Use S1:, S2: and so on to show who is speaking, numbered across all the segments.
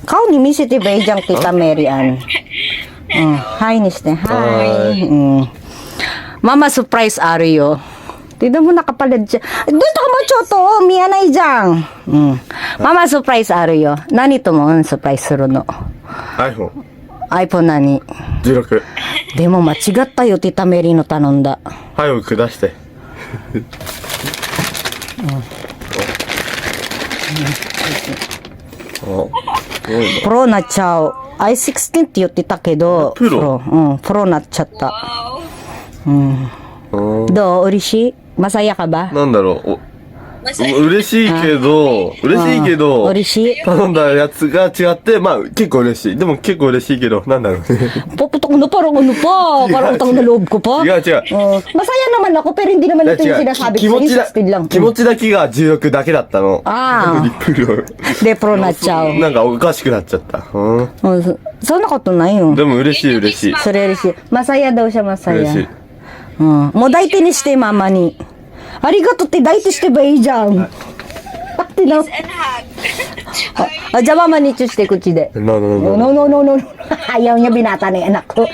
S1: 顔に見せてばいいじゃん、Tita Mary Ann. Hi にして。Hi. Mama, surprise あるよ。Tignan mo nakapalad siya. Dito ka mo, Choto. Miyanay dyan. Mama, surprise あるよ。何ともsurprise するの。
S2: iPhone。
S1: iPhone 何
S2: 16。
S1: でも間違ったよ、Tita Mary の頼んだ。
S2: 早く下して。
S1: プロなっちゃう。i16 って言ってたけど、
S2: プロ
S1: プロなっちゃった。どう嬉しいmasayaかば
S2: なんだろう。嬉しいけど、
S1: 嬉しい
S2: 頼んだやつが違って、まあ結構嬉しい。でも結構嬉しいけど、なんだろうね。
S1: Puputok na parang ano pa, parang utang na loob ko pa.
S2: 違う違う。
S1: Masaya naman ako pero hindi naman ito yung sinasabi ko. 16lang.
S2: 気持ちだけが16だけだったの。
S1: ああ。
S2: プロ。
S1: で、プロなっちゃう。
S2: なんかおかしくなっちゃった。
S1: そんなことないよ。
S2: でも嬉しい嬉しい。
S1: それ嬉しい。Masaya daw siya, masaya.
S2: 嬉しい。
S1: もう抱いてにして、ママに。ありがとうって抱いてしてばいいじゃん。ってな。じゃあママにチュして口で。
S2: No.
S1: No. Ayaw niya binata na yung anak ko.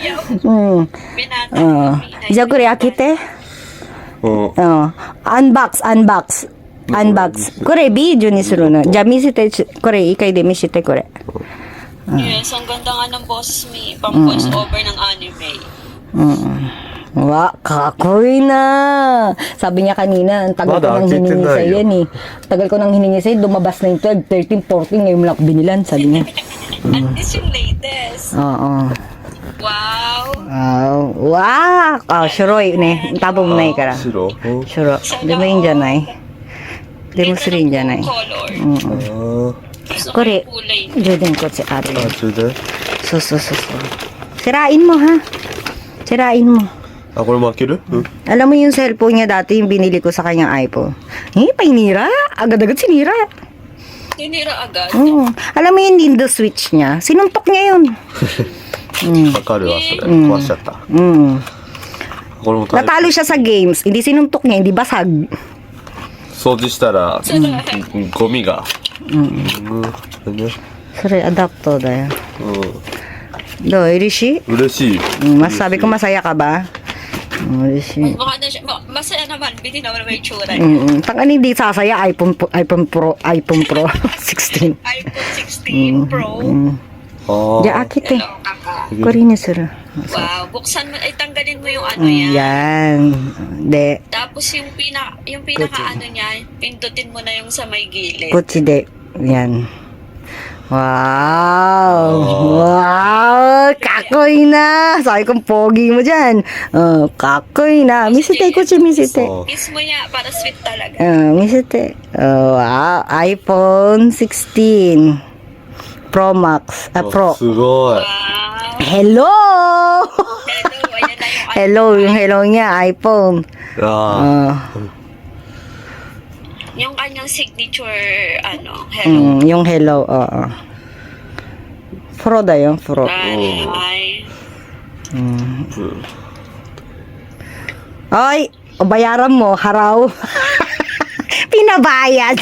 S1: じゃあこれ開けて。unbox. これビデオにするの。じゃあ見せて、これ一回で見せてこれ。
S3: Yes, ang ganda nga ng boses ni pang voice over ng anime.
S1: Wa, kakoy na. Sabi niya kanina, ang tagal ko nang hiningi sa yan eh. Tagal ko nang hiningi sa dumabas na yung 12, 13, 14, ngayon mo lang ako binilan, sabi niya.
S3: At least yung latest.
S1: Oo.
S3: Wow.
S1: Shuroi ne. Tabo mo na ikara. Shuro. De mo yun dyan ay. De mo suri yun dyan ay.
S3: Color. Gusto ko
S1: Kore,
S3: yung kulay.
S1: Jordan ko si Ari. So.
S2: そ
S1: Sirain mo ha. Sirain mo.
S2: あ、これも開ける？
S1: Alam mo yung cellphone niya dati, yung binili ko sa kanyang iPhone. Painira. Agad-agad sinira.
S3: Tinira agad.
S1: Alam mo yung Nintendo Switch niya? Sinuntok niya yun.
S2: わかるわ、それ。壊しちゃった。これも大変。
S1: Natalo siya sa games. Hindi sinuntok niya, hindi basag.
S2: 掃除したら、ゴミが。
S1: それ、アダプトだよ。どう嬉しい
S2: 嬉しい。
S1: Masabi ko masaya ka ba?嬉しい。
S3: Mukha na siya. Masaya naman. Biti naman may tsura.
S1: Tangan hindi sasaya, iPhone Pro 16.
S3: iPhone 16 Pro.
S1: じゃあ、開けて。
S3: Hello, kaka.
S1: これにする。
S3: Wow. Buksan mo. Ay, tanggalin mo yung ano yan.
S1: Yan. De,
S3: Tapos yung pinaka ano niya, pindutin mo na yung sa may gilid.
S1: こっちで。Yan. Wow! Kakoy na! Sabi kong pogi mo dyan. Kakoy na. Misite, kuchi misite.
S3: Kiss mo niya para sweet talaga.
S1: Misite. Wow! iPhone 16 Pro Max. Pro.
S2: すごい。
S3: Wow.
S1: Hello!
S3: Hello. Ayan na yung
S1: Hello, yung hello niya, iPhone.
S3: yung kanyang signature, hello.
S1: Yung hello, oo. Pro da yun, Pro.
S3: Ay.
S1: Ay, bayaran mo, haraw. Pinabayad.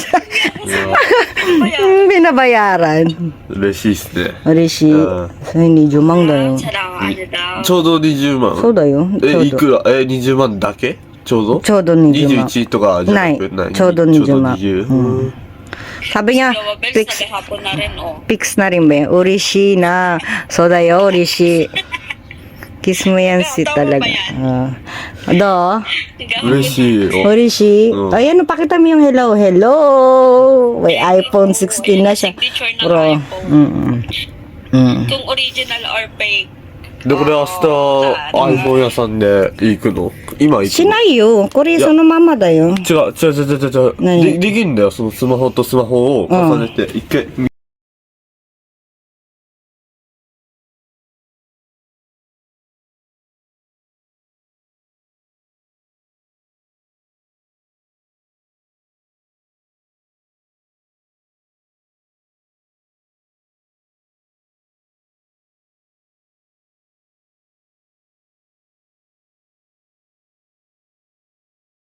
S1: Pinabayaran.
S2: 嬉しいっすね。
S1: 嬉しい。それ20万だよ。
S3: Salamat daw.
S2: ちょうど20万。
S1: そうだよ。ちょうど
S2: いくら20万だけちょうど
S1: ちょうど20万。
S2: 21とかじゃなく
S1: ないちょうど20万
S2: ちょうど20。
S1: Sabi niya,
S3: Gawa bells, nagahapon na rin, oh.
S1: fix na rin ba yun? Urishi na. So da yo, Urishi. Kiss mo yan si talaga. Do?
S2: 嬉しいよ。
S1: Urishi. Ayan, pakita mo yung hello. Hello! May iPhone 16 na siya.
S3: Signature ng
S1: Bro.
S3: iPhone. Kung original or fake.
S2: で、これ明日 iPhone 屋さんで行くの今行くの
S1: しないよ。これそのままだよ。
S2: 違う。
S1: 何
S2: できるんだよ。そのスマホとスマホを重ねて、一回